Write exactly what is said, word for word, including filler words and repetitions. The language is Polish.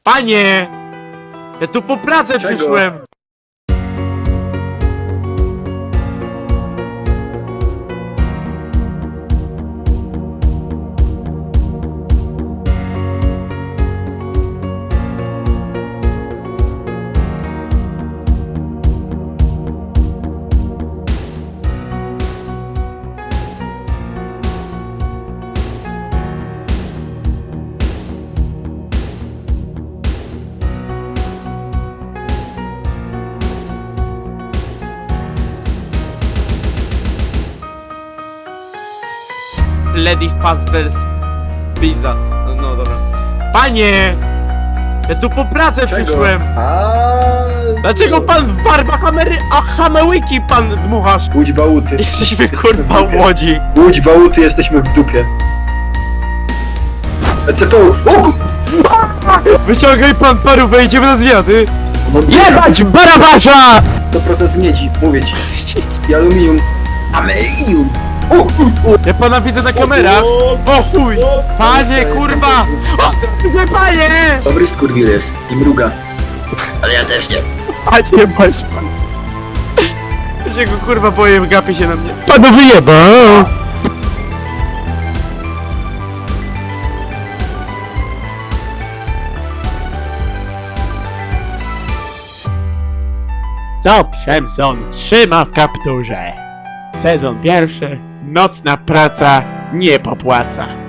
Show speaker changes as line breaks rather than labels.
Panie! Ja tu po pracę
Czego?
przyszłem! Lady Fazbear's Pizza. No, no dobra. Panie! Ja tu po pracę
Czego?
przyszłem!
A.
Dlaczego pan w barbach Amery... a Hamełyki pan dmuchasz?
Łódź bałuty.
Jesteśmy kurwa
w dupie.
łodzi.
Łódź bałuty, jesteśmy w dupie. E C P U. O ku...
Wyciągaj pan parówę, idziemy na zwiady!
No,
Jebać Barabasza!
sto procent miedzi, mówię ci. I aluminium. Aluminium! O, o, o.
Ja pana widzę na kamerach! O chuj! Panie kurwa! O, widzę panie!
Dobry skurwil jest i mruga. Ale ja też nie.
Panie masz pan. Ja się go kurwa boję, gapi się na mnie. Panu wyjebał! Co Przemson trzyma w kapturze? Sezon pierwszy, nocna praca nie popłaca.